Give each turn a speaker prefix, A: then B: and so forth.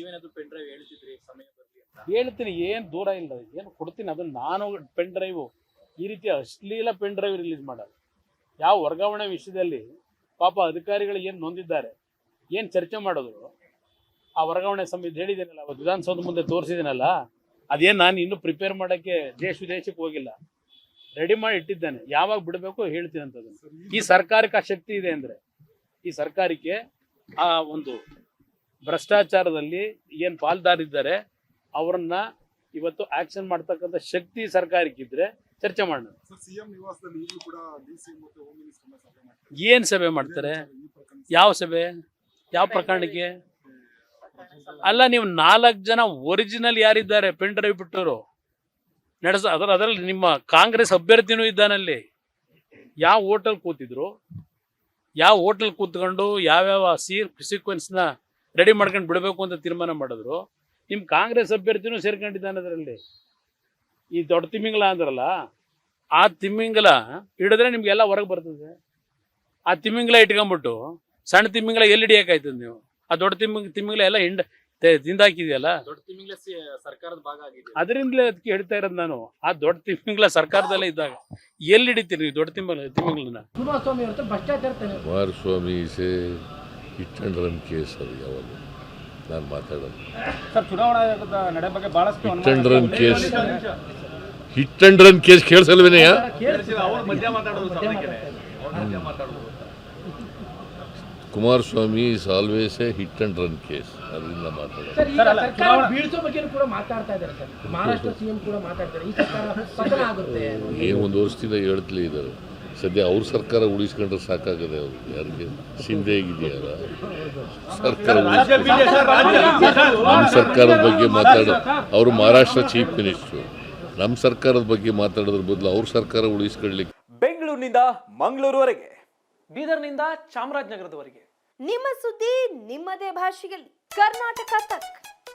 A: ನೀವೇನಾದ್ರೂ pen drive ಹೇಳ್ತಿದ್ರಿ ಸಮಯ ಬರ್ಲಿ ಅಂತ?
B: ಹೇಳ್ತೀನಿ, ಏನು ದೂರ ಇಲ್ಲ, ಏನು ಕೊಡ್ತೀನಿ ಅದನ್ನು. ನಾನು ಪೆನ್ ಡ್ರೈವು ಈ ರೀತಿ ಅಶ್ಲೀಲ ಪೆನ್ ಡ್ರೈವ್ ರಿಲೀಸ್ ಮಾಡೋದು ಯಾವ ವರ್ಗಾವಣೆ ವಿಷಯದಲ್ಲಿ ಪಾಪ ಅಧಿಕಾರಿಗಳು ಏನು ನೊಂದಿದ್ದಾರೆ, ಏನು ಚರ್ಚೆ ಮಾಡಿದ್ರು ಆ ವರ್ಗಾವಣೆ ಸಮಿತಿ ಹೇಳಿದ್ದೀನಲ್ಲ, ಅವತ್ತು ವಿಧಾನಸೌಧ ಮುಂದೆ ತೋರಿಸಿದ್ದೀನಲ್ಲ, ಅದೇನು ನಾನು ಇನ್ನೂ ಪ್ರಿಪೇರ್ ಮಾಡೋಕ್ಕೆ ದೇಶ ವಿದೇಶಕ್ಕೆ ಹೋಗಿಲ್ಲ, ರೆಡಿ ಮಾಡಿ ಇಟ್ಟಿದ್ದೇನೆ. ಯಾವಾಗ ಬಿಡಬೇಕು ಹೇಳ್ತೀನಿ ಅಂತದನ್ನು. ಈ ಸರ್ಕಾರಕ್ಕೆ ಆ ಶಕ್ತಿ ಇದೆ ಅಂದರೆ, ಈ ಸರ್ಕಾರಕ್ಕೆ ಆ ಒಂದು ಭ್ರಷ್ಟಾಚಾರದಲ್ಲಿ ಏನು ಪಾಲ್ದಾರಿದ್ದಾರೆ ಅವರನ್ನ ಇವತ್ತು ಆಕ್ಷನ್ ಮಾಡ್ತಕ್ಕಂಥ ಶಕ್ತಿ ಸರ್ಕಾರಕ್ಕಿದ್ರೆ ಚರ್ಚೆ ಮಾಡೋಣ. ಏನು ಸಭೆ ಮಾಡ್ತಾರೆ? ಯಾವ ಸಭೆ? ಯಾವ ಪ್ರಕರಣಕ್ಕೆ? ಅಲ್ಲ, ನೀವು 4 ಜನ ಒರಿಜಿನಲ್ ಯಾರಿದ್ದಾರೆ ಪೆನ್ ಡ್ರೈವ್ ಬಿಟ್ಟವರು ಅದರಲ್ಲಿ ನಿಮ್ಮ ಕಾಂಗ್ರೆಸ್ ಅಭ್ಯರ್ಥಿನೂ ಇದ್ದಾನಲ್ಲಿ. ಯಾವ ಹೋಟೆಲ್ ಕೂತಿದ್ರು, ಯಾವ ಹೋಟೆಲ್ ಕೂತ್ಕೊಂಡು ಯಾವ್ಯಾವ ಸೀಕ್ವೆನ್ಸ್ನ ರೆಡಿ ಮಾಡ್ಕೊಂಡು ಬಿಡಬೇಕು ಅಂತ ತೀರ್ಮಾನ ಮಾಡಿದ್ರು. ನಿಮ್ಮ ಕಾಂಗ್ರೆಸ್ ಅಭ್ಯರ್ಥಿನೂ ಸೇರ್ಕೊಂಡಿದ್ದಾನೆ ಅದರಲ್ಲಿ. ಈ ದೊಡ್ಡ ತಿಮ್ಮಿಂಗಲ ಅಂದ್ರಲ್ಲ, ಆ ತಿಮ್ಮಿಂಗಲ ಹಿಡಿದ್ರೆ ನಿಮ್ಗೆಲ್ಲ ಹೊರಗೆ ಬರ್ತದೆ. ಆ ತಿಮ್ಮಿಂಗಲ ಇಟ್ಕೊಂಡ್ಬಿಟ್ಟು ಸಣ್ಣ ತಿಮ್ಮಿಂಗಲ ಎಲ್ಲಿ ಹಿಡಿಯೋಕ್ಕಾಯ್ತದೆ ನೀವು? ಆ ದೊಡ್ಡ ತಿಮ್ಮಿಂಗಲ ಎಲ್ಲ ತಿಂದಾಕಿದೆಯಲ್ಲ,
A: ದೊಡ್ಡ ತಿಮ್ಮಿಂಗ್ಲ ಸರ್ಕಾರದ ಭಾಗ ಆಗಿದೆ.
B: ಅದರಿಂದಲೇ ಅದಕ್ಕೆ ಹೇಳ್ತಾ ಇರೋದು ನಾನು. ಆ ದೊಡ್ಡ ತಿಮ್ಮಿಂಗಲ ಸರ್ಕಾರದಲ್ಲೇ ಇದ್ದಾಗ ಎಲ್ಲಿ ಹಿಡಿತೀರಿ ನೀವು ದೊಡ್ಡ ತಿಮ್ಮಿಂಗಲನ್ನ?
C: Kumaraswamy hit and run case ಅದು ಯಾವಾಗ ನಾನು ಮಾತಾಡೋದು.
D: ಸರ್, ಚುನಾವಣಾ ಆಯೋಗದ ನಡೆ ಬಗ್ಗೆ ಬಹಳಷ್ಟು
C: hit and run case, hit and run case ಕೇಳಿಸಲ್ವೇನೆಯ? Kumaraswamy is always a hit and run case, ಅದರಿಂದ ಮಾತಾಡೋದು. ಏನು 1 ವರ್ಷದಿಂದ ಹೇಳ್ತಲೇ ಇದ್ದಾರೆ. ಸದ್ಯ ಅವ್ರ ಸರ್ಕಾರ ಉಳಿಸ್ಕೊಂಡ್ರೆ ಸಾಕಾಗದೆ. ಅವ್ರು ಯಾರಿಗೆ ಸಿಂಧೆ ಆಗಿದೆಯಲ್ಲ ಸರ್ಕಾರ, ನಮ್ಮ ಸರ್ಕಾರದ ಬಗ್ಗೆ ಮಾತಾಡೋ ಅವರು ಮಹಾರಾಷ್ಟ್ರ ಚೀಫ್ ಮಿನಿಸ್ಟ್ರು. ನಮ್ಮ ಸರ್ಕಾರದ ಬಗ್ಗೆ ಮಾತಾಡೋದ್ರ ಬದಲು ಅವ್ರ ಸರ್ಕಾರ ಉಳಿಸ್ಕೊಳ್ಳಿಕ್ಕೆ.
E: ಬೆಂಗಳೂರಿನಿಂದ ಮಂಗಳೂರುವರೆಗೆ, ಬೀದರ್ನಿಂದ ಚಾಮರಾಜನಗರದವರೆಗೆ
F: ನಿಮ್ಮ ಸುದ್ದಿ ನಿಮ್ಮದೇ ಭಾಷೆಯಲ್ಲಿ. ಕರ್ನಾಟಕ ತಕ್.